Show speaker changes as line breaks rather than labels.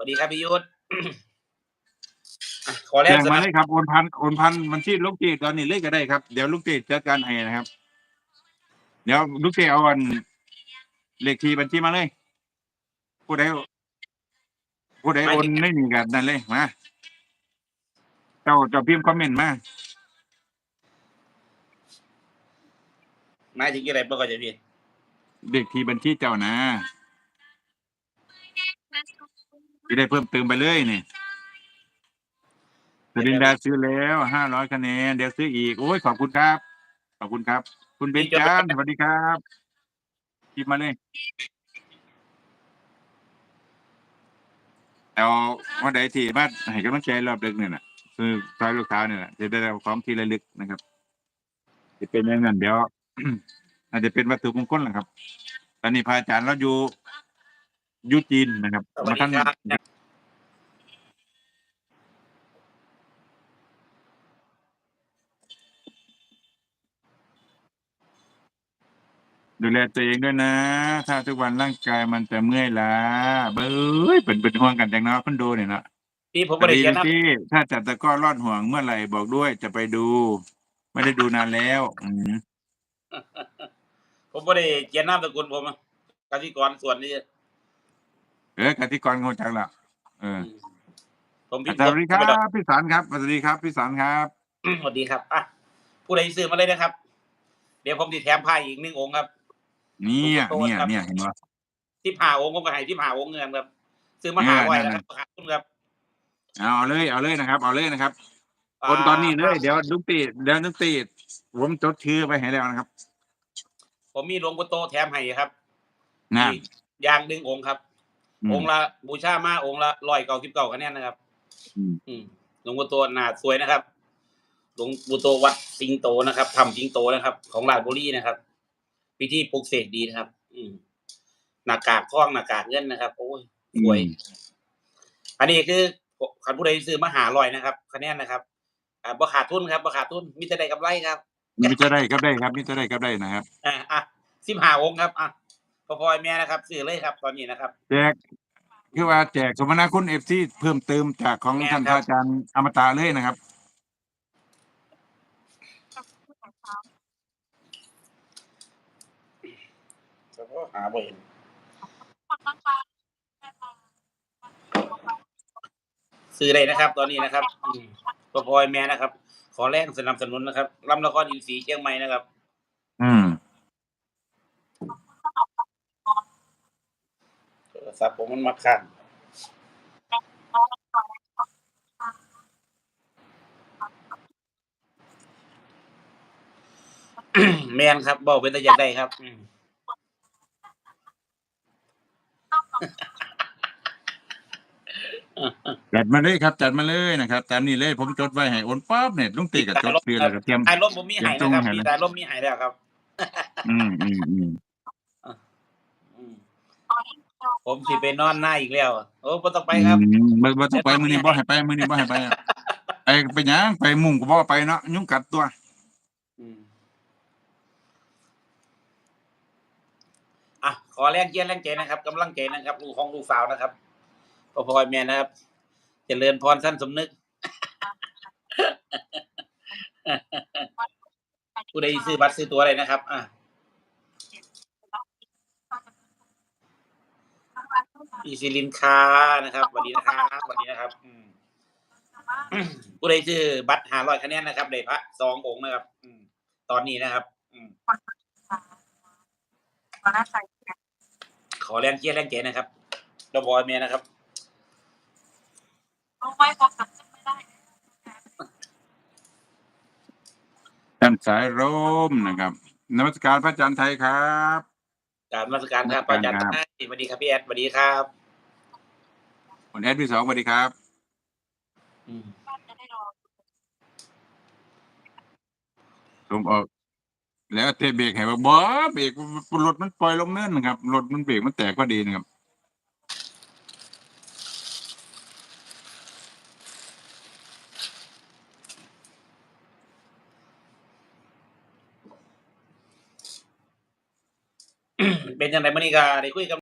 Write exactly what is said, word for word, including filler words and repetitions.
ดีครับพี่ยุทธ ขอแร
แจ้
งสนับ
งมาเลยครับโอนพันโอนพันบัญชีลูกเจตอนนี้เลยก็ได้ครับเดี๋ยวลูกเจจัดการให้นะครับเดี๋ยวลูกเจเอาอันเลขที่บัญชีมาเลยผู้ใดผู้ใด
หมายถึง
โอนไม่มีกันนั่นเลยมาเจ้าเจ้าพิมพ์คอมเมนต์มา
หมายถึงอะไรบ้างก็จะพี่
เลขที่บัญชีเจ้านะจะได้เพิ่มเติมไปเลยนี่สรินดาซื้อแล้วห้าร้อยคะแนนเดี๋ยวซื้ออีกโอ้ยขอบคุณครับขอบคุณครับคุณเบ
พี่
ญจาน
จดไว้
สวัสดีครับพิมพ์มาเลยเอาวันใดที่มาให้กำลังใจรอบดึกเนี่ยนะคือซอยลูกค้าเนี่ยนะจะได้เอาของที่ระลึกนะครับจะเป็นอย่างนั้นเดี๋ยว อาจจะเป็นวัตถุมงคลแหละครับตอนนี้พระอาจารย์เราอยู่อยู่จีนนะครับ
สวัส
มาท่าน
ดีครับ
ดูแลตัวเองด้วยนะ ถ้าทุกวันร่างกายมันจะเมื่อยล้าเบ้ยเป็นเป็นห่วงกันจังเนาะคอนโดเนี่ยเนาะ
พี่ผม
สวัส
ไม่ได้เขียนนะ
ดีลูกพี่ถ้าจัดตะกร้อรอดห่วงเมื่อไหร่บอกด้วยจะไปดู ไม่ได้ดูนานแล้วอืม
ผมไม่ได้เขียนนามสกุลผมอะกสิกรส่วนนี้
เออกติกรงงจังละเออ
อืมผมพิมพ์สด
สวัสดีครั
ไม่ดอก
บพี่สารครับสวัสดีครับพี่สารครับ
สวัสดีครับอ่ะผู้ใดซื้อมาเลยนะครับเดี๋ยวผมจะแถมผ้าอีกหนึ่งองค์ครับหลวง
เนี่ย
ปู่โต
เนี่ย
นะครับ
เนี่ยเห็นว่า
ที่ผ่าองค์ผมก็ให้ที่ผ่าองค์เงินครับซื้อมา
เอ
หาร้อย
อนั่นนั่น
นะครับขาดทุนครับ
เอาเลยเอาเลยนะครับเอาเลยนะครับ
อ่
คนตอนนี้เล
า
ยเดี๋ยวลุงตีเดี๋ยวลุงตีผมจดชื่อไปให้แล้วนะครับ
ผมมีหลวงปู่โตแถมให้ครับ
นั่น
อีกอย่างหนึ่งองค์ครับ
อืม
องค์ละบูชามาองค์ละร้อยเก้าสิบเก้าคะแนนนะครับ
อืม
อืมหลวงปู่โตหนาสวยนะครับหลวงปู่โตวัดสิงโตนะครับทำสิงโตนะครับ ของราชบุรีนะครับพิธีปลุกเสกดีนะครับ อืมหน้ากากทองหน้ากากเงินนะครับโอ้ย
อื
สวย
ม
อันนี้คือคันผู้ใดซื้อมาหาร้อยนะครับคะแนนนะครับอ่าบ่ขาดทุนครับบ่ขาดทุนมีแต่ได้กำไรครับ
มิจะได้ครับได้ครับมิจะได้ครับได้นะครับ
อ่าอ่ะสิบห้าองค์ครับอ่ะพ่อพ่อแม่นะครับซื้อเลยครับ ตอนนี้นะครับ
แจกคือว่าแจกสมนาคุณเอฟซีเพิ่มเติมจากของ
แม่
ท่านพ
ครับ
ระอาจารย์อมตะเลยนะครับ
หาบ่เห็นซื้อเลยนะครับ ตอนนี้นะครับอืมพ่อพ่อแม่นะครับ ขอแรงสนับสนุนนะครับลำละครอินทรีย์เชียงใหม่นะครับ
อืม
โทรศัพท์ผมมันมาค้างแม่นครับเว้าเป็นตาอยากได้ครับอืม
จัดมาเลยครับจัดมาเลยนะครับตามนี้เลยผมจดไว้ให้โอนปั๊บเนี่ยลุงตี
พี่
กับ
สายลม
จดซื้อ
ครับ
แล้วก็เตรียม
สายลมผมมี
เตรียม
ให้นะครับ
จงให้เลย
พี่สายลมมีให้แล้วครับ
อืมอืมอืม
อืมผมสิไปนอนหน้าอีกแล้วโอ้บ่ต้องไป
อื
ครับ
มบ่บ่ต้องไป
เดี๋ยวน้อง
มื้อนี้บ่
มีให้
ให้ไปมื้อนี้บ่ให้ไปอะไปไปหยังไปมุ่งก็บ่ไปเนาะยุงกัดตัว
อืมอ่ะขอแรงเชียร์แรงใจนะครับกำลังใจนะครับลูกของลูกสาวนะครับพ่อพ่อแม่นะครับเจริญพรท่านสมนึกผู้ใดซื้อบัตรซื้อตั๋วอะไรนะครับอ่ะพี่ศิรินทรานะครับสวัสดีนะครับสวัสดีนะครับอืมผู้ใดซื้อบัตรห้าร้อยคะแนนนะครับได้พระสององค์นะครับอืมตอนนี้นะครับอืมขอแรงเชียร์แรงใจนะครับพ่อพ่อแม่นะครับ
ท่านสายร่มนะครับนมัสการพระอาจารย์ไทยครับ
กราบนมัสการ
นมั
ครับอาจารย์
สการครับ
ไต้สวัสดีครับพี่แอดสวัสดีครับ
คุณแอดพี่สองสวัสดีครับ
อืม
ผมออกแล้วเทเบรกให้ว่าบ่เบรกรถมันปล่อยลงเนินนะครับรถมันเบรกมันแตกพอดีนะครับ
เป็นจังได๋มื้อนี้ก็ได้คุยกับ